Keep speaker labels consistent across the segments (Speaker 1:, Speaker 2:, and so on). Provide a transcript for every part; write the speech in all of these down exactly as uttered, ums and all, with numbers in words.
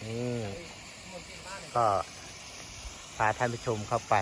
Speaker 1: นี่ก็พาท่านผู้ชมเข้าไป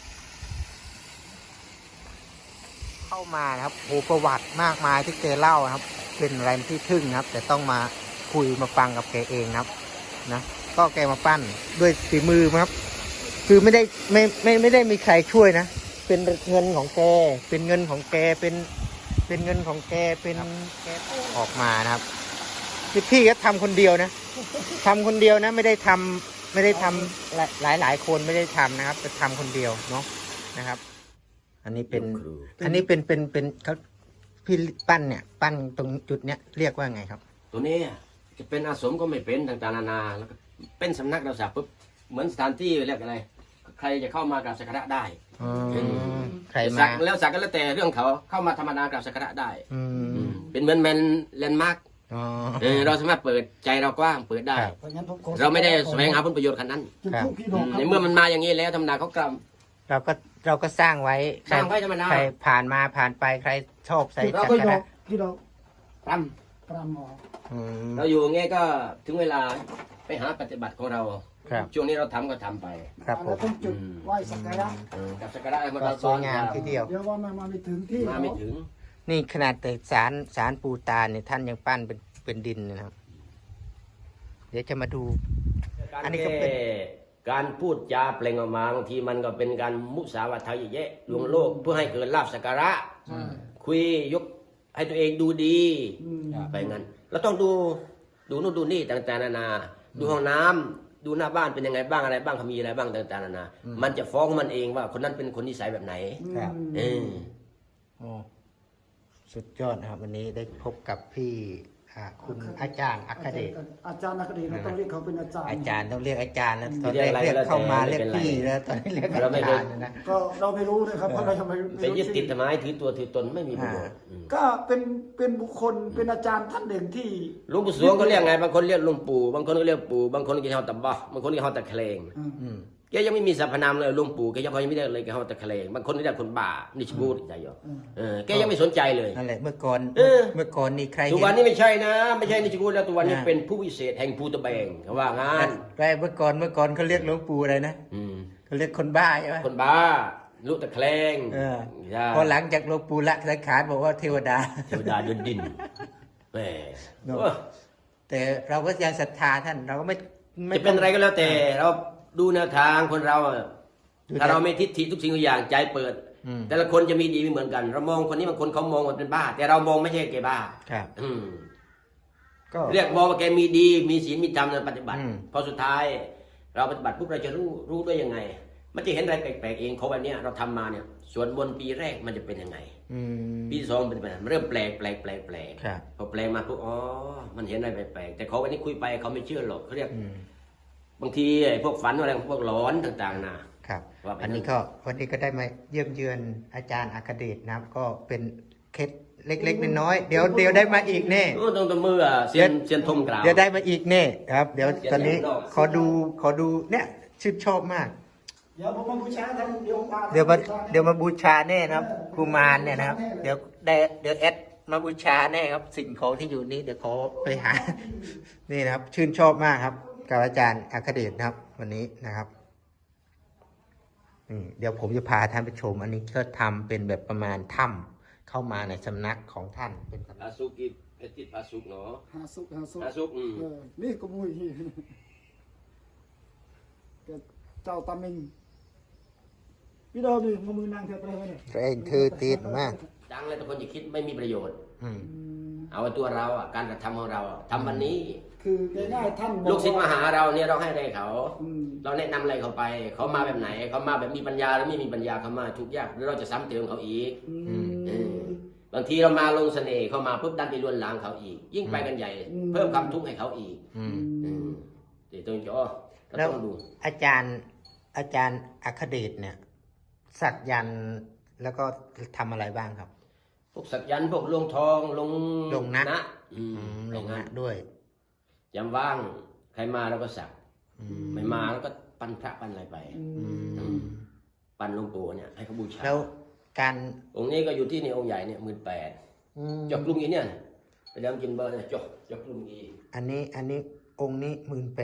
Speaker 1: เข้ามานะครับโอ้ประวัติมากมายที่แกเล่านะครับ เป็นอะไรที่ทึ่งนะครับ แต่ต้องมาคุยมาฟังกับแกเองนะครับนะก็แกมาปั้นด้วยฝีมือครับ คือไม่ได้ไม่ไม่ไม่ได้มีใครช่วยนะ เป็นเงินของแกเป็นเงินของแกเป็นเป็นเงินของแกเป็นแกออกมานะครับพี่พี่ก็ทำคนเดียวนะทำคนเดียวนะไม่ได้ทำไม่ได้ทำหลายหลายคนไม่ได้ทำนะครับแต่ทำคนเดียวเนาะนะครับ อันนี้เป็นอันนี้เป็นเป็นเป็นเขาพี่ปั้นเนี่ยปั้นตรงจุดเนี้ยเรียกว่าไงครับ
Speaker 2: ตัวนี้จะเป็นอาสมก็ไม่เป็นต่างๆนานาแล้วก็เป็นสำนักเราสักปุ๊บเหมือนสถานที่เรียกอะไรใครจะเข้ามากราบสักการะได้
Speaker 1: ใคร
Speaker 2: สั
Speaker 1: มาก
Speaker 2: แล้วสักก็แล้วแต่เรื่องเขาเข้ามาธรรมดากราบสักการะได้
Speaker 1: อืม
Speaker 2: เป็นเหมือนแมนแลนด์มาร์กเราสามารถเปิดใจเรากว้างเปิดได้ เราไม่ได้แสวงหาผลประโยชน์ขนาดนั้นในเมื่อมันมาอย่างนี้แล้วธรรมดาเขากรำ
Speaker 1: เราก็เราก็สร้างไว้
Speaker 2: สร้างไว้ธรรมดา
Speaker 1: ใครผ่านมาผ่านไปใครชอบใส่
Speaker 3: เรา
Speaker 1: จัก
Speaker 3: ก็
Speaker 1: ร
Speaker 3: ย
Speaker 1: นะ
Speaker 3: กที่เรา
Speaker 2: กร
Speaker 3: ปรำหมอ
Speaker 1: อืม
Speaker 2: ำเราอยู่อย่างเงี้ยก็ถึงเวลาไปหาปฏิบัติของเรา
Speaker 1: ครับ
Speaker 2: ช่วงนี้เราทำก็ทำไป
Speaker 1: ครับผ
Speaker 3: เรา
Speaker 1: ม
Speaker 3: ต้องจุดไหว้สักการะ
Speaker 2: กับสักการะมัน
Speaker 1: ก็
Speaker 2: เรา
Speaker 1: สวยงามทีเดียว
Speaker 3: เดี๋ยวว่ามันมาไม่ถึงที่
Speaker 2: มาไม่ถึง
Speaker 1: นี่ขนาดแต่สารสารปูตาเนี่ยท่านยังปั้นเป็นเป็นดินเลยนะครับ เดี๋ยวจะมาดู อันนี้ก็เป็น
Speaker 2: การพูดจาเปล่งออกมาบางทีมันก็เป็นการมุสาวาทายแยะลวงโลกเพื่อให้เกิดลาภสักการะคุยยกให้ตัวเองดูดีไปงั้นเราต้องดูดูนู่นดูนี่ต่างๆนานาดูห้องน้ำดูหน้าบ้านเป็นยังไงบ้างอะไรบ้างเขามีอะไรบ้างต่างๆนานามันจะฟ้องมันเองว่าคนนั้นเป็นคนนิสัยแบบไหน
Speaker 1: ครับ
Speaker 2: เออ
Speaker 1: โอ้สุดยอดนะครับ วันนี้ได้พบกับพี่อ่าคุณอาจารย์อัคเดช
Speaker 3: อาจารย์นักเรียนเราต้องเรียกเขาเป็นอาจารย์
Speaker 1: อาจารย์ต้องเรียกอาจารย์แล้วตอนแรกเรียกเข้ามาเรียกพี่แล้วตอนนี้เรียกอาจารย์นะ
Speaker 3: ก็เราไม่รู้นะครับเพราะเรายังไม่
Speaker 2: ไปยึดติดทำไมถือตัวถือตนไม่มีประโยชน์อืม
Speaker 3: ก็เป็นเป็นบุคคลเป็นอาจารย์ท่านหนึ่งที่
Speaker 2: หลวงปู่สวงเขาเรียกไงบางคนเรียกหลวงปู่บางคนก็เรียกปู่บางคนก็เรียกเขาตะบะบางคนเรียกเขาตะเคลง
Speaker 1: อืม
Speaker 2: แกยังไม่มีสรรพนามเลยหลวงปู่แกยังยังไม่ได้เลยแกเขาตะเคลงบางคนเรียกคนบ้านิชบูดใจหยอกเออแกยังไม่สนใจเลย
Speaker 1: นั่นแหละเมื่อก่อน
Speaker 2: เออ
Speaker 1: เมื่อก่อนนี่ใคร
Speaker 2: ทุก
Speaker 1: เห็
Speaker 2: วัน
Speaker 1: น
Speaker 2: นี้ไม่ใช่นะ ไม่ใช่นิชบูดแล้วทุกวันนี้
Speaker 1: นะ
Speaker 2: เป็นผู้วิเศษแห่งภูตะแบงเขาว่างาน
Speaker 1: ใครเมื่อก่อนเมื่อก่อนเขาเรียกหลวงปู่อะไรนะ
Speaker 2: อืม
Speaker 1: เขาเรียกคนบ้าใช่ไหม
Speaker 2: คนบ้าลุตะเคลง
Speaker 1: เออ
Speaker 2: ใช่
Speaker 1: พอหลังจากหลวงปู่ละสังขารบอกว่าเทวดา
Speaker 2: เทวดาเดินดินแหม
Speaker 1: เนอะ แต่เราก็ยังศรัทธาท่านเราก็ไม่ไม่
Speaker 2: จะเป็นอะไรก็แล้วแต่เราดูแนวทางคนเราอะ
Speaker 1: ดู
Speaker 2: ถ้าเราไม่ทิฏฐิทุกสิ่งทุกอย่างใจเปิด
Speaker 1: อืม
Speaker 2: แต่ละคนจะมีดีไม่เหมือนกัน เรามองคนนี้บางคนเขามองว่าเป็นบ้า แต่เรามองไม่ใช่แกบ้า
Speaker 1: ครับ
Speaker 2: อืม
Speaker 1: ก็
Speaker 2: เรียกมองว่าแกมีดีมีศีลมีธรรมในปฏิบัติ
Speaker 1: อืม
Speaker 2: พอสุดท้าย เราปฏิบัติปุ๊บเราจะรู้รู้ได้ยังไง มันจะเห็นอะไรแปลกๆเองเขาวันเนี้ยเราทำมาเนี่ยส่วนบนต์ปีแรกมันจะเป็นยังไง
Speaker 1: อืม
Speaker 2: ปีที่สองเป็นยังไงมันเริ่มแปลกแปลกแปลกแปลก
Speaker 1: ครับ
Speaker 2: พอแปลกมาปุ๊บอ๋อมันเห็นอะไรแปลกๆแต่เขาวันนี้คุยไปเขาไม่เชื่อหรอกเขาเรียก
Speaker 1: อืม
Speaker 2: บางทีไอ้พวกฝันอะไรพวกหลอนต่างๆนะครับ ว่าไป
Speaker 1: อันนี้ก็วันนี้ก็ได้มาเยี่ยมเยือนอาจารย์อัคเดชนะครับ ก็เป็นเคล็ดเล็กๆน้อยๆเดี๋ยวเดี๋ยวได้มาอีกแน่
Speaker 2: โอ้ตรงตะมืออะเซียนเซียนทมกล่าว
Speaker 1: เดี๋ยวได้มาอีกแน่ครับ เดี๋ยว
Speaker 2: เดี๋ยว
Speaker 1: ตอนนี้
Speaker 2: เดี๋ยว
Speaker 1: ขอดูขอดูเนี่ยชื่นชอบมาก
Speaker 3: เดี๋ยวผมมาบูชาท่านเดี๋ยวมา
Speaker 1: เดี๋ยวมาเดี๋ยวมาบูชาแน่นะครับกุมารเนี่ยนะครับ เดี๋ยวได้เดี๋ยวแอดมาบูชาแน่ครับ สิ่งของที่อยู่นี้เดี๋ยวขอไปหา นี่นะครับ ชื่นชอบมากครับกับอาจารย์อัคเดชนะครับ วันนี้นะครับนี่เดี๋ยวผมจะพาท่านไปชม อันนี้ก็ทำเป็นแบบประมาณถ้ำเข้ามาในสำนักของท่านเป็นสำนั
Speaker 2: อาก สุกิเพชรติดอาสุกเนาะ
Speaker 3: หาสุกหาสุก
Speaker 2: อาสุกอืม
Speaker 3: เออนี่ก็มุ้ยเจ้าตามิงพี่ดาวนี่มามือนางเทพเลยเนี่ย
Speaker 1: เองถือตีนมาก
Speaker 2: ดังเลยแต่คนจะคิดไม่มีประโยชน์
Speaker 1: อืม
Speaker 2: เอาไว้ตัวเราอ่ะการกระทำของเราอะทำวันนี้
Speaker 3: คือง่ายๆท่านบอก
Speaker 2: ลูกศิษย์มาหาเราเนี่ยเราให้อะไรเขา
Speaker 3: อืม
Speaker 2: เราแนะนำอะไรเขาไป เขามาแบบไหน เขามาแบบมีปัญญาหรือไม่มีปัญญาเขามาทุกข์ยากหรือเราจะซ้ำเติมเขาอีก
Speaker 3: อืม
Speaker 2: เออบางทีเรามาลงเสน่ห์เขามาปุ๊บดันไปลวนลามเขาอีก ยิ่งไปกันใหญ่
Speaker 3: อืม
Speaker 2: เพิ่มความทุกข์ให้เขาอีก
Speaker 1: อืม
Speaker 2: เออเดี๋ยวต้องจ่อเรา
Speaker 1: แล้ว
Speaker 2: ต้องดู
Speaker 1: อาจารย์อาจารย์อัคเดชเนี่ยสักยันต์แล้วก็ทำอะไรบ้างครับ
Speaker 2: พวกสักยันต์พวกลงทองลง
Speaker 1: ลงนะ
Speaker 2: อืม
Speaker 1: อืมลง
Speaker 2: อย่าง
Speaker 1: นะ
Speaker 2: นั้น
Speaker 1: ด้วย
Speaker 2: ยามว่างใครมาเราก็สัก
Speaker 1: อืม
Speaker 2: ไม่มาแล้วก็ปั้นพระปั้นอะไรไป
Speaker 3: อื
Speaker 1: อื
Speaker 3: ม
Speaker 1: ม
Speaker 2: อืมปั้นหลวงปู่เนี่ยให้เขาบูชา
Speaker 1: แล้วการ
Speaker 2: องค์นี้ก็อยู่ที่นี่องค์ใหญ่เนี่ยหมื่นแปด
Speaker 1: อืม
Speaker 2: จอกกรุงอีเนี่ยไปเดิมกินเบอร์เนี่ยจอกจอกกรุงอี
Speaker 1: อันนี้อันนี้องค์นี้หมื่นแปด
Speaker 2: อืม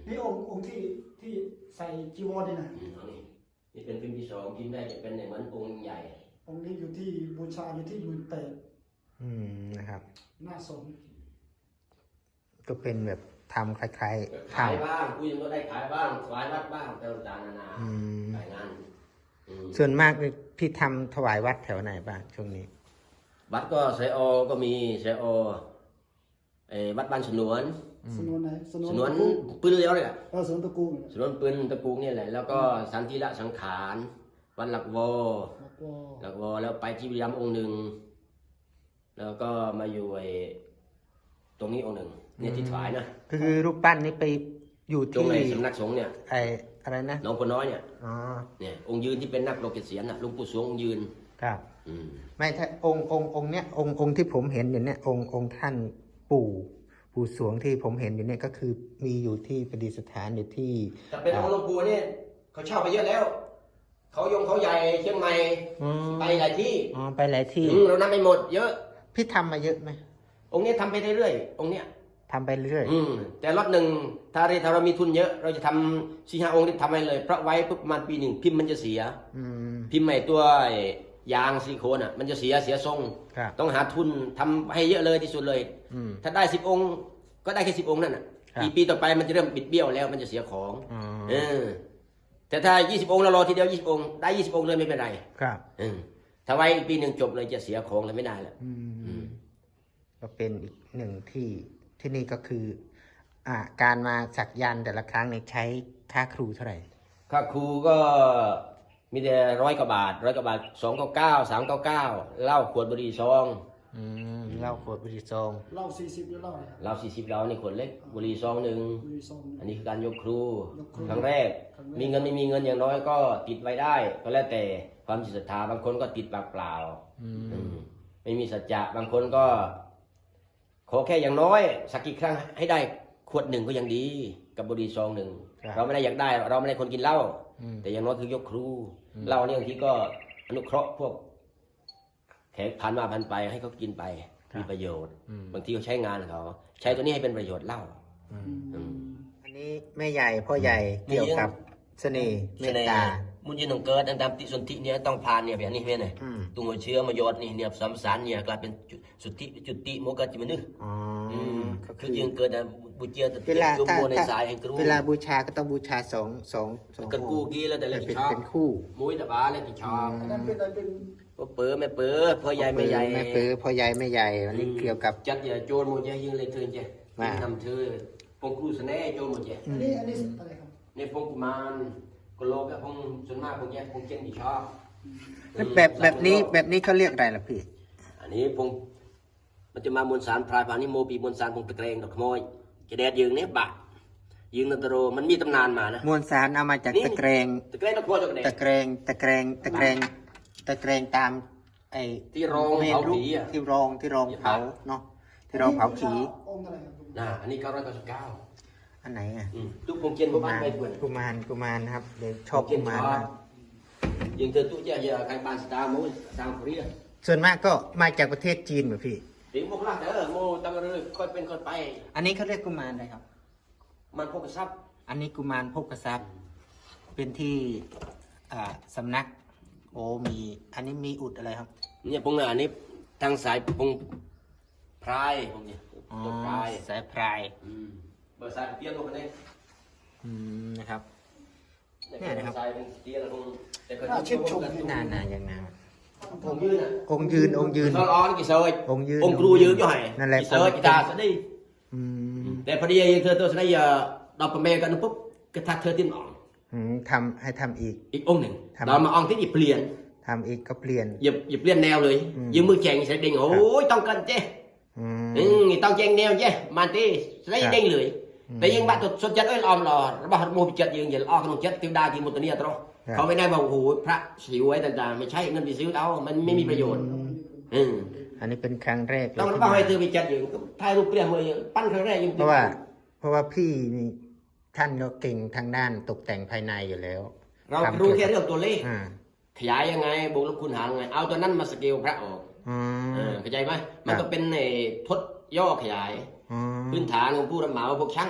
Speaker 3: นี่องค์องค์ที่ที่ใส่จีวรนี่นะ
Speaker 2: อืมเอานี่นี่เป็นพิมพ์ที่สองพิมพ์ได้จะเป็นเหมือนองค์ใหญ่
Speaker 3: องค์นี้อยู่ที่บูชาอยู่ที่หมื่นแปด
Speaker 1: อืมนะครับ
Speaker 3: หน้าสม
Speaker 1: ก็เป็นแบบทำคล้ายๆ
Speaker 2: ขาย
Speaker 1: ทำ
Speaker 2: บ้างคุยก็ได้ขายบ้างถวายวัดบ้างต่างๆนานา
Speaker 1: อืม
Speaker 2: ขายงานอืม
Speaker 1: ส่วนมากพี่ทำถวายวัดแถวไหนบ้างช่วงนี้
Speaker 2: วัดก็ไซโอก็มีไซโอเออวัดบ้านสนวน
Speaker 3: สนวนไหนสนวน
Speaker 2: สนวน
Speaker 3: ตะกู
Speaker 2: ปืนเลี้ยวเลยอะ
Speaker 3: เออสนวนตะกูเนี่ย
Speaker 2: สนวนปืนตะกูเนี่ยแหละแล้วก็สันติละสังขารวัดหลักวอ
Speaker 3: แล้วก็
Speaker 2: หลักวอแล้วไปที่บุรีรัมย์องค์หนึ่งแล้วก็มาอยู่ไอ้ตรงนี้องค์หนึ่งเนี่ยที่ถวายนะ
Speaker 1: ก็คือรูปปั้นนี้ไปอยู่
Speaker 2: ตรง
Speaker 1: ที่
Speaker 2: ไอ้สำนักสงฆ์เนี่ย
Speaker 1: ไออะไรนะ
Speaker 2: หน้องคนน้อยเนี่ย
Speaker 1: อ๋อ
Speaker 2: เนี่ยองค์ยืนที่เป็นนักโลกเกษียณน่ะหลุงปู่สวงองค์ยืน
Speaker 1: ครับ
Speaker 2: อืม
Speaker 1: ไม่ถ้าองค์องค์องค์เนี้ยองค์องค์ที่ผมเห็นอยู่เนี่ยองค์องค์ท่านปู่ปู่สวงที่ผมเห็นอยู่เนี่ยก็คือมีอยู่ที่ประดิษฐานอยู่ที่
Speaker 2: แต่เป็นองค์หลวงปู่เนี่ยเขาเช่าไปเยอะแล้ว เขายงเขาใหญ่เชียงใหม่
Speaker 1: อ๋อ
Speaker 2: ไปหลายที่
Speaker 1: อ๋อไปหลายที่
Speaker 2: อืมเรานับไม่หมดเยอะ
Speaker 1: พี่ทำมาเยอะไหม
Speaker 2: องค์นี้ทำไปเรื่อยๆองค์เนี้ย
Speaker 1: ทำไปเรื่อย
Speaker 2: อืมแต่รถหนึ่งถ้าเราถ้าเรามีทุนเยอะ เราจะทำสี่ห้าองค์ที่ทำไปเลยเพราะไว้ปุ๊บประมาณปีหนึ่งพิมพ์มันจะเสีย
Speaker 1: อืม
Speaker 2: พิมพ์ใหม่ตัวยางซิลิโคนอ่ะมันจะเสียเสียทรง
Speaker 1: ครับ
Speaker 2: ต้องหาทุนทำให้เยอะเลยที่สุดเลย
Speaker 1: อืม
Speaker 2: ถ้าได้สิบองค์ก็ได้แค่สิบองค์นั่นน่ะ
Speaker 1: ครับ
Speaker 2: ปีปีต่อไปมันจะเริ่มบิดเบี้ยวแล้วมันจะเสียของ
Speaker 1: อ๋อ
Speaker 2: เออแต่ถ้ายี่สิบองค์เรารอทีเดียวยี่สิบองค์ได้ยี่สิบองค์เลยไม่เป็นไร
Speaker 1: ครับ
Speaker 2: เออถ้าไว้อีกปีหนึ่งจบเลยจะเสียของเลยไม่ได้แล้ว
Speaker 1: อื
Speaker 2: อื
Speaker 1: ม
Speaker 2: ม
Speaker 1: ก็เป็นอีกหนึ่งที่ที่นี่ก็คือ อ่าการมาสักยันต์แต่ละครั้งเนี่ยใช้ค่าครูเท่าไหร่
Speaker 2: ค่าครูก็มีแต่ร้อยกว่าบาทร้อยกว่าบาทสองเก้าเก้าสามเก้าเก้าเหล้าขวดบุหรี่ซอง
Speaker 1: อืมเหล้าขวดบุหรี่ซอง
Speaker 3: เหล่าสี่สิบหรือเหล่าอะไร
Speaker 2: เหล้าสี่สิบเหล้านี่ขวดเล็กบุหรี่ซองหนึ่ง
Speaker 3: บุรีซอง
Speaker 2: อันนี้คือการยกครู
Speaker 3: ยกครู
Speaker 2: ครั้งแรก
Speaker 3: ครั้งแรก
Speaker 2: มีเงินไม่มีเงินอย่างน้อยก็ติดไว้ได้ ก็แล้วแต่ความจิตศรัทธาบางคนก็ติดปากเปล่า
Speaker 1: อืม
Speaker 2: อืมไม่มีสัจจะบางคนก็ ขอแค่อย่างน้อยสักกี่ครั้งให้ได้ขวดหนึ่งก็ยังดี กับบุหรี่ซองหนึ่งเราไม่ได้อยากได้ เราไม่ได้คนกินเหล้า
Speaker 1: อืม
Speaker 2: แต่อย่างน้อยคือยกครูเหล้าเนี่ยบางทีก็อนุเคราะห์พวกแขกผ่านมาผ่านไปให้เขากินไปมีประโยชน์
Speaker 1: อืม
Speaker 2: บางทีเขาใช้งานเขาใช้ตัวนี้ให้เป็นประโยชน์เหล้า
Speaker 1: อืม
Speaker 2: อืม
Speaker 1: อันนี้แม่ใหญ่พ่อใหญ่เกี่ยวกับเสน่ห์เมตตา
Speaker 2: มุนยินของเกิดอันตามติสนธิเนี่ยต้องผ่านเนี่ยแบบนี้เพื่อนเนี่ย
Speaker 1: อืม
Speaker 2: ตุงหัวเชื้อมาโยดนี่เนี่ยสัมสารเนี่ยกลายเป็นจุสุทธิจุติโมกขจิมนึก
Speaker 1: อ๋ออ
Speaker 2: ม
Speaker 1: ก็
Speaker 2: คื
Speaker 1: คือ อ
Speaker 2: ยังเกิดนะบุญเจียตะ
Speaker 1: เวลา
Speaker 2: จุ
Speaker 1: ถ้า
Speaker 2: โมใน
Speaker 1: ถ้า
Speaker 2: สายแห่งกรู
Speaker 1: เวลาบูชาก็ต้องบูชาสองสองสอง
Speaker 2: กันกูกี้แล้วแต่ละ
Speaker 1: เป็
Speaker 2: กี่
Speaker 1: น
Speaker 2: ชอบ
Speaker 1: เป็นคู่
Speaker 2: มุ้ยตะบาแล้วกี่ชอบ
Speaker 3: อันนั้นเป็นอันเป็น
Speaker 2: ก็เปื้อไม่เปื้อพ่อใหญ่ไม่ใหญ่
Speaker 1: แม่ปือพ่อใหญ่แม่ใหญ่อันนี้เกี่ยวกับ
Speaker 2: จัดอย่าโจรหมดเจ้ยิงเลยเธอเจ้
Speaker 1: ว่า
Speaker 2: ทำเธอพงครูสแน่โจรหมดเจ้
Speaker 3: อันนี้อันนี้อะไรครับ
Speaker 2: ในพงกุมารกโลกกับพงส่วนมากพงแย่พงเจนกี่ชอบ
Speaker 1: แล้วแบบแบบนี้แบบนี้เขาเรียกอะไรล่ะพี่
Speaker 2: อันนี้พงมันจะมามวลสารพรายผ่านนี้โมปีมวลสารพงตะเกรงดอกขโมยจะแดดยืงเนี่ยบะยืงนันตโรมันมีตำนานมานะ
Speaker 1: มวลสารเอามาจากตะเกรง
Speaker 2: ตะเกรงดอกขโมยจากไหน
Speaker 1: ตะเกรงตะเกรงตะเกรงตะเกรงตามไอ้
Speaker 2: ที่รอง
Speaker 1: เมน
Speaker 2: เผา
Speaker 1: รูป
Speaker 2: ผีอ่ะ
Speaker 1: ที่รองที่รองเผาเนาะที่รองเผาผี
Speaker 3: องค์อะไรครับ
Speaker 2: น่ะอันนี้เก้าร้อยเก้าสิบเก้า
Speaker 1: อันไหนอ่ะ
Speaker 2: ทุกพงเจนพวก
Speaker 1: กุ
Speaker 2: บ้าน
Speaker 1: มาร
Speaker 2: ไม่ควร
Speaker 1: กุมารกุมารนะครับเดี๋ยวชอบกุมารมาก
Speaker 2: ยิงเธอตู้เจ้าอย่าใครบ้านสตาร์โมสามเรีย
Speaker 1: ส่วนมากก็มาจากประเทศจีนเหมือนพี่
Speaker 2: ถึงพวกล่างเด้อโมตั้งเรือค่อยเป็นค่อยไป
Speaker 1: อันนี้เขาเรียกกุมารอะไรครับ
Speaker 2: มันพวกกระซับ
Speaker 1: อันนี้กุมารพกทรัพย์เป็นที่อ่าสำนัก โอ้มี อันนี้มีอุดอะไรครับ
Speaker 2: เนี่ยพงอันนี้ทางสายพงพรายพงเนี่ย
Speaker 1: อ๋อ
Speaker 2: ตัวพราย
Speaker 1: สายพราย
Speaker 2: อืมเบอร์สายเตี้ยลงมาเนี่ย
Speaker 1: อืมนะครับ เนี่
Speaker 2: เนี่ย ย
Speaker 1: นะ
Speaker 2: นะ
Speaker 1: ค
Speaker 2: ค
Speaker 1: รั
Speaker 2: รับ บสายเป็นเตี้ยแล้วพงแต่ก็
Speaker 3: อ่าชื่นชม
Speaker 1: นานนานอย่างนาน
Speaker 2: ผมยืนอ่ะ
Speaker 1: องค์ยืนองค์ยืน
Speaker 2: ซอนอ้อนกี่เซย
Speaker 1: องค์ยืน
Speaker 2: องค์ครูยืนอยู่ไหน
Speaker 1: นั่นแหละ
Speaker 2: กี่เซยกีตาร์ซะดิ
Speaker 1: อืม
Speaker 2: แต่พอดีเธอตัวสนายดอกประเมกันปุ๊บก็ทักเธอติ้นอ่อน
Speaker 1: อืมทำให้ทำอีก
Speaker 2: อีกองค์หนึ่ง
Speaker 1: ทำ
Speaker 2: เรามาอ่อนที่หยิบเปลี่ยน
Speaker 1: ทำอีกก็เปลี่ยน
Speaker 2: หยิบหยิบเปลี่ยนแนวเลย
Speaker 1: อืม
Speaker 2: ยืมมือแข่งใส่เด้งโอ้ยต้องกันเจ้
Speaker 1: อืม
Speaker 2: อืมต้องแข่งแนวเจ้มาตีใส่เด้งเลย
Speaker 1: อืม
Speaker 2: แต่ยังบ้านตัวสนจัดเอ้ยออมหล่อระบาดโมบิจัดยังอย่าอ้อขนมจัดติวดากินหมดตัวเนี้ยตรอ
Speaker 1: ครับ
Speaker 2: เขาไม่ได้มาโอ้โหพระสิวไว้ต่างๆไม่ใช่เงินไปซื้อเอามันไม่มีประโยชน์อืม
Speaker 1: อันนี้เป็นครั้งแรกเลย
Speaker 2: ต้องระ
Speaker 1: ที่
Speaker 2: บาด
Speaker 1: มา
Speaker 2: ให้เธอไปจัดอยู่ถ่ายรูปเปลี่ยนมือปั้นครั้งแรกยัง
Speaker 1: เพราะว่า เพราะว่าพี่นี่ท่านก็เก่งทางด้านตกแต่งภายในอยู่แล้ว
Speaker 2: เรา
Speaker 1: ทำ
Speaker 2: รู้แค่เรื่องตัวเลข
Speaker 1: อ่า
Speaker 2: ขยายยังไงบวกลบคูณหารยังไงเอาตัวนั้นมาสเกลพระออก
Speaker 1: อืม
Speaker 2: เออเข้าใจไหมมันก็เป็นไอ้ทดย่อขยาย
Speaker 1: อืม
Speaker 2: พื้นฐานของผู้รับเหมาพวกช่าง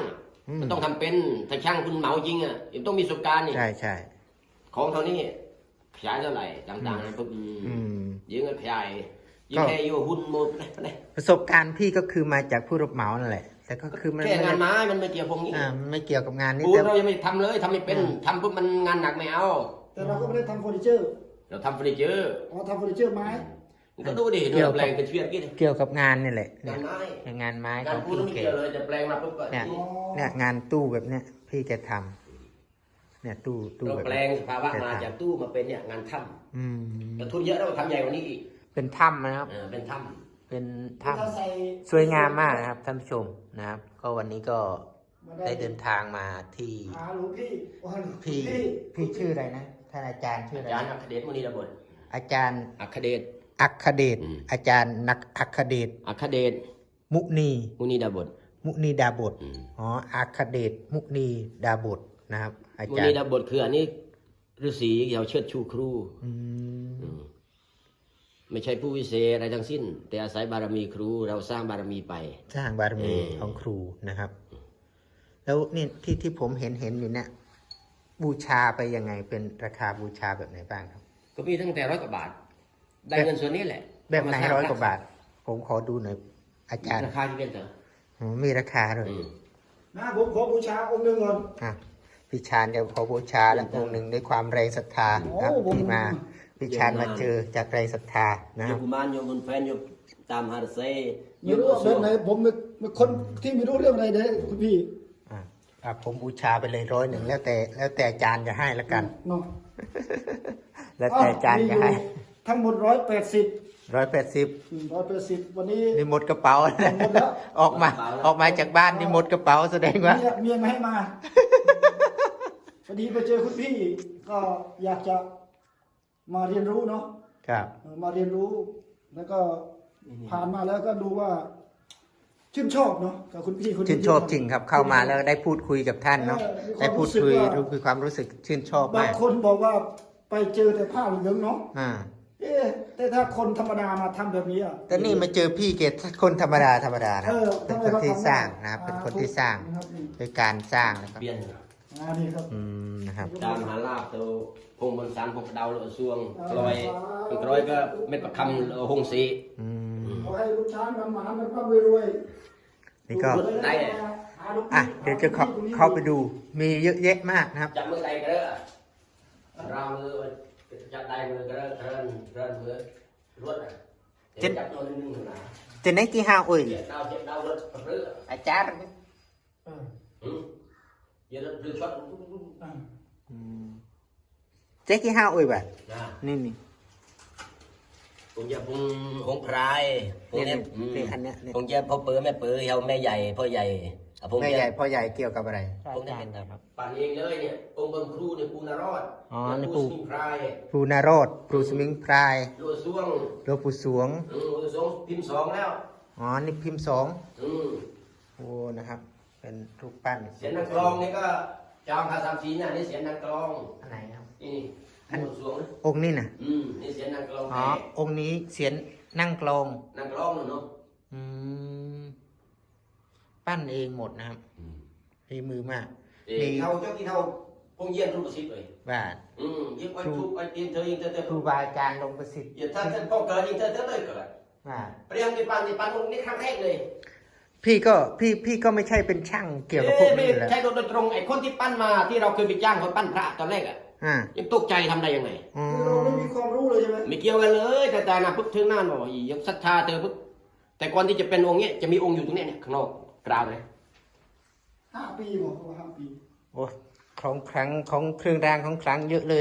Speaker 1: อืม
Speaker 2: มันต้องทำเป็นถ้าช่างคุณเหมาจริงอ่ะยังต้องมีประสบการณ์นี่
Speaker 1: ใช่ใช่
Speaker 2: ของเท่านี้ขยายเท่าไหร่ต่างๆนะปุ๊บ
Speaker 1: อืม
Speaker 2: ยิงก็ขยายยิง
Speaker 1: ก็
Speaker 2: แค่อยู่หุ้นหมดเลย
Speaker 1: ประสบการณ์พี่ก็คือมาจากผู้รับเหมานั่นแหละ แต่ก็คือมัน
Speaker 2: แค่
Speaker 1: ไม่
Speaker 2: งาน
Speaker 1: ได้
Speaker 2: ไม้มันไม่เกี่ยวพวกนี้
Speaker 1: อ่ามันไม่เกี่ยวกับงานนี้
Speaker 2: ปูน
Speaker 1: แต่
Speaker 2: เรายังไม่ทำเลยทำไม่เป็น
Speaker 1: อืม
Speaker 2: ทำปุ๊บมันงานหนักไม่เอา
Speaker 3: แต่เราก็ไม่ได้ทำเฟอร์นิเจอร์
Speaker 2: เราทำเฟอร์นิเจอร์
Speaker 3: อ๋อทำเฟอร์นิเจอร์ไม้
Speaker 2: มันก็ดูดิดูแปลงเป็นเชือกกี่ดิ
Speaker 1: เกี่ยวกับงานนี่แหละ
Speaker 2: งานไม้
Speaker 1: เนี่ยงานไม้
Speaker 2: งา
Speaker 1: ข
Speaker 2: น
Speaker 1: อง
Speaker 2: ปูน
Speaker 1: พี่
Speaker 2: ไม่
Speaker 1: เก๋
Speaker 2: เกี่ยวเลยจะแปลงมาปุ๊บก็
Speaker 1: เนี่ย
Speaker 2: นี่
Speaker 1: เนี่ยงานตู้แบบเนี้ยพี่แกทำเนี่ยตู้ตู้
Speaker 2: เรา
Speaker 1: แบบ
Speaker 2: แปล
Speaker 1: เนี้ย
Speaker 2: งสภาวะมาจากตู้มาเป็นเนี่ยงานถ้
Speaker 1: อืม
Speaker 2: ำแต่ทุนเยอะแล้วทำใหญ่กว่านี้อีก
Speaker 1: เป็นถ้ำนะครับ
Speaker 2: เออเป็นถ้
Speaker 1: เป็นถ้
Speaker 3: ถ้าใส่
Speaker 1: ำสวยงามมากนะครับท่านผู้ชมนะครับ ก็วันนี้ก็
Speaker 3: มา
Speaker 1: ได้เดินทางมาที่
Speaker 3: หาหลวงพี่ว่าหลวง
Speaker 1: พี่พี่ชื่ออะไรนะท่านอาจารย์ชื่อ
Speaker 2: ำ
Speaker 1: อะไร
Speaker 2: อาจารย์
Speaker 1: นะ
Speaker 2: อัคเดชมุนีดาบด
Speaker 1: อาจารย์
Speaker 2: อัคเดช
Speaker 1: อัคเดช
Speaker 2: อืม
Speaker 1: อาจารย์นักอัคเดช
Speaker 2: อัคเดช
Speaker 1: มุนี
Speaker 2: มุนีดาบด
Speaker 1: มุนีดาบท
Speaker 2: อืม
Speaker 1: อ๋ออัคเดชมุนีดาบทนะครับ อา
Speaker 2: มุ
Speaker 1: จาร
Speaker 2: นี
Speaker 1: ย์
Speaker 2: ดาบดคืออันนี้ฤาษีเขาเชิดชูครู
Speaker 1: อืม
Speaker 2: อืมไม่ใช่ผู้วิเศษอะไรทั้งสิ้น แต่อาศัยบารมีครูเราสร้างบารมีไป
Speaker 1: สร้างบารมี
Speaker 2: เออ
Speaker 1: ของครูนะครับ แล้วนี่ที่ที่ผมเห็นเห็นอยู่เนี่ยบูชาไปยังไงเป็นราคาบูชาแบบไหนบ้างครับ
Speaker 2: ก็มีตั้งแต่ร้อยกว่าบาท ได้เงินส่วนนี้แหละ
Speaker 1: แบบไหน
Speaker 2: เมสง
Speaker 1: ร้อยกว่าบาท ผมขอดูหน่อยอาจารย์
Speaker 2: ราคาที่เป็นเถอะ
Speaker 1: อ๋อมีราคาด้วย
Speaker 2: อืม
Speaker 3: นะผมขอบูชาองค์หนึ่งก่อน
Speaker 1: อ่ะพี่ชานจะขอบูชาแล้วองค์หนึ่งด้วยความแรงศรัทธาครับ
Speaker 3: โอ้ผม
Speaker 1: ที่มาพี่ชานมาเจอจากแรงศรัทธานะ
Speaker 2: โย
Speaker 1: ครับ
Speaker 2: มกุมารโยมบุญแฟนโยมตามฮาร์เซ่
Speaker 3: ไม่รู้ว่าแบบไหนผมเป็นคนที่ไม่รู้เรื่องอะไรเลยคุณพี่
Speaker 1: อ่ะอ่ะผมบูชาไปเลยร้อยหนึ่งแล้วแต่แล้วแต่อาจารย์จะให้แล้วกัน
Speaker 3: เนาะ
Speaker 1: แล้วแต่อาจารย์
Speaker 3: มี
Speaker 1: จะ
Speaker 3: อยู่
Speaker 1: ให้
Speaker 3: ทั้งหมดร้อยแปดสิบ
Speaker 1: ร้อยแปดสิบ
Speaker 3: ร้อยแปดสิบวันนี้
Speaker 1: นี่หมดกระเป๋า
Speaker 3: หมดแล้ว
Speaker 1: ออกมาออกมาจากบ้านนี่หมดกระเป๋าแสดงว่า
Speaker 3: เมียเมียไม่ให้มา พอดีไปเจอคุณพี่ ก็อยากจะมาเรียนรู้เนาะ
Speaker 1: ครับ
Speaker 3: เออมาเรียนรู้ แล้วก็ผ่านมาแล้วก็ดูว่า ชื่นชอบเนาะกับคุณพี่คนนี้
Speaker 1: ชื่นชอบจริงครับ เข้ามาแล้วได้พูดคุยกับท่านเนาะ
Speaker 3: เออมีความ
Speaker 1: ได้พูดคุย
Speaker 3: รู้สึกว่า
Speaker 1: รู้คือความรู้สึกชื่นชอบบ
Speaker 3: าง
Speaker 1: มาก
Speaker 3: คนบอกว่าไปเจอแต่ผ้าเหลืองเนาะ
Speaker 1: อ่า
Speaker 3: เอ๊ะแต่ถ้าคนธรรมดามาทำแบบนี้อ่ะ
Speaker 1: แต่นี่มาเจอพี่เกศคนธรรมดาธรรมดานะ
Speaker 3: เออ
Speaker 1: เป็น
Speaker 3: ทำไม
Speaker 1: คน
Speaker 3: เขา
Speaker 1: ที่
Speaker 3: ทำ
Speaker 1: สร้าง
Speaker 3: ได้
Speaker 1: นะครับ เป็น
Speaker 3: อ่า
Speaker 1: คนที่สร้าง
Speaker 3: นะครับนี่
Speaker 1: โดยการสร้างนะครับ
Speaker 2: เปลี่ยน
Speaker 3: อ่านี่ครับ
Speaker 1: อืมนะครับ
Speaker 2: ตามหาลาบตัวพงบนสารพงดาวโลซวงกลอยกลอยก็เม็ดประคำหงสี
Speaker 1: อืม
Speaker 3: ขอให้ลูกช้างมันหมามันก็รวย
Speaker 1: นี่ก็
Speaker 2: ได้
Speaker 3: หาลูก
Speaker 1: อ่ะเดี๋ยวจะเข้าเข้าไปดูมีเยอะแยะมากนะครับ
Speaker 2: จับมือใดก็ได้เรามือจับได้มือก็ได้เทินเทินมือรวดอ่ะจับตัวนึงนึงนะ
Speaker 1: จะไหนกี่ห้าอุ้ย
Speaker 2: เจ็บดาวเจ็บดาวรถเรือ
Speaker 1: อาจารย์
Speaker 3: เออ
Speaker 2: อืมเยอะเรือช็อต
Speaker 3: อ่า
Speaker 1: อืมเจ๊กี่ห้าอุ้ยแบบ
Speaker 2: นะ
Speaker 1: นี่นี่
Speaker 2: ผมจะพุงหงพรายพวก
Speaker 1: นี่
Speaker 2: นี้
Speaker 1: นี่นี่อันเนี้ยนี่
Speaker 2: ผมจะพ่อเปือแม่เปือเขาแม่ใหญ่พ่อใหญ่ผม
Speaker 1: แม่
Speaker 2: จะ
Speaker 1: ใหญ่พ่อใหญ่เกี่ยวกับอะไร
Speaker 2: พวกนี้เป็นปั่นเองเลยเนี่ยองค์บนครูเนี่ยปูนารอด
Speaker 1: อ๋อนี่
Speaker 2: นี่
Speaker 1: ปู
Speaker 2: ปูสิงพราย
Speaker 1: ครูนารอดครูสมิงพราย
Speaker 2: ลูกซ่วง
Speaker 1: หลวงปู่สวง
Speaker 2: อืมลูกซ่วงพิมพ์สองแล้ว
Speaker 1: อ๋อ นี่พิมพ์สอง
Speaker 2: อืม
Speaker 1: โอ้นะครับ เป็นรูปปั้น
Speaker 2: เสียงนางกลองนี่ก็จองคาสามสีเนี่ยนี่เสียงนางกลอง
Speaker 1: อันไหนครับ
Speaker 2: นี่นี่ลูกซ่วงนะ
Speaker 1: องค์นี้นะ
Speaker 2: อืมนี่เสียงนางกลอง
Speaker 1: อ๋อ
Speaker 2: แท้
Speaker 1: องค์นี้เสียนนั่งกลอง
Speaker 2: นางกลองเนาะ
Speaker 1: อืม ปั้นเองหมดนะครับ
Speaker 2: อืม
Speaker 1: ฝีมือมาก
Speaker 2: เอ้ยเท่าเจ้ากี่เท่าพงเยี่ยนรูปประสิทธิ์เลย
Speaker 1: ว่า
Speaker 2: อืมยิงไอ้ทุกไอ้ตีนเธอยิงเธอเธอ
Speaker 1: ครูบาอาจารย์ลงประสิทธิ์
Speaker 2: อย่าถ้าท่านพ่อเกิดยิงเธอเธอเลยเกิด
Speaker 1: ว่า
Speaker 2: เปรียงในปันในปันตรงนี้ครั้งแรกเลย
Speaker 1: พี่ก็พี่พี่ก็ไม่ใช่เป็นช่างเกี่ยวกับพวก
Speaker 2: เอ๊ะไม่
Speaker 1: นี้อยู่แล้ว
Speaker 2: ใช่โดยตรงไอ้คนที่ปั้นมาที่เราเคยไปจ้างเขาปั้นพระตอนแรกอ่ะ
Speaker 1: อ่า
Speaker 2: ยังตกใจทำได้ยังไง
Speaker 1: อ๋อ
Speaker 3: คือเราไม่มีความรู้เลยใช่ไหม
Speaker 2: ไม่เกี่ยวกันเลยแต่แต่นะปุ๊บถึงนั่นบอกอียังศรัทธาเธอปุ๊บแต่ก่อนที่จะเป็นองค์เนี้ยจะมีองค์อยู่ตรงเนี้ยเนี่ยข้างนอกกราวเลย
Speaker 3: ห้าปีบอกเขาว่าห้าปี
Speaker 1: โอ้ของครั้งของเครื่องรางของครั้งเยอะเลย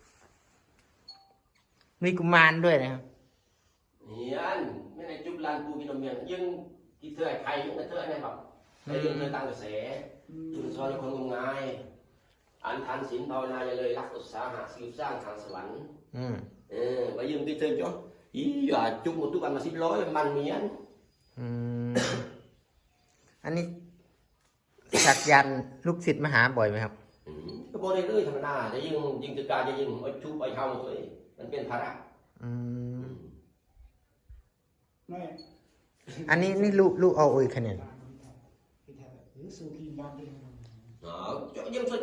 Speaker 1: มีกุมารด้วยนะครับ
Speaker 2: เฮียนไม่ได้จุบลานปูกินนมเมียงยังที่เธอไอ้ใครยังเธอไอ้เนี่ยแบบไอ้เรื่องเธอตั้งกระแสจุนซอยคนงมงายอันทันศีลภาวนาอย่าเลยรักอุตสาหะสืบสร้างทางสวรรค์
Speaker 1: อืม
Speaker 2: เออไปยืมที่เธอจ้ะอีอย่าจุกหมดทุกอันมาสิบร้อยมันเมียน
Speaker 1: อืม อันนี้สักยันต์ลูกศิษย์มาหาบ่อยไหมครับ
Speaker 2: อืมก็บอกได้เลยธรรมดาจะยิ่งยิ่งจะการจะยิ่งไอ้ชุบไอ้เข้าตัวเองมันเป็นภาระ
Speaker 1: อืม
Speaker 3: ไม่
Speaker 1: อันนี้นี่ลูกลูกเอาโอยคะแนน
Speaker 3: สูกีบานเดียว
Speaker 2: อ๋อจะยังสนใจ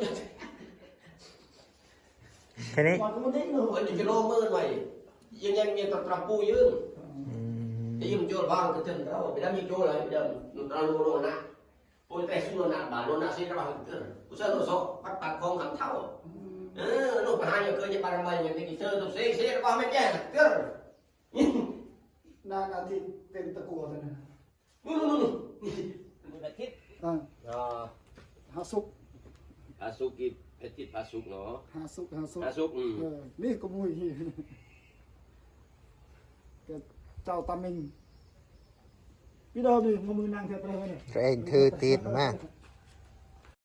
Speaker 1: แค่นี้
Speaker 3: บานก็ไม่ได้เนาะ
Speaker 2: วันนี้กิโลมือหน่อยยังยังมีตะตะปูยืง
Speaker 1: อืม
Speaker 2: จะยิ่งโจรบ้างก็ถึงเราไปทำยิ่งโจรเลยเดิมเราโลโลนะปูแต่สุนนะบาโลนะสิ่งที่เราเห็นเกินกูเชื่อตัวโซ่ปัดปัดคงขังเท้าเออลูกไปหาอย่างเคยจะไปทำไมอย่างนี้เชื่อตัวเสียเสียว่าไม่แจ้งเกิน
Speaker 3: นานอาทิตย์เป็นตะกัวเท่านั้น
Speaker 2: นู่นนู่นนี่อาทิตย์
Speaker 3: อ่า
Speaker 2: อ่า
Speaker 3: หาสุก
Speaker 2: อาสุกิอาทิตย์อาสุกเนาะ
Speaker 3: หาสุกหาสุก
Speaker 2: อาสุกอืม
Speaker 3: เออนี่ก็มุ้ยแกเจ้าตามิงพี่ดาวดิมือมือนางเทปอะไรวะเนี่ย
Speaker 1: ตัวเองถือตีนมา
Speaker 3: เ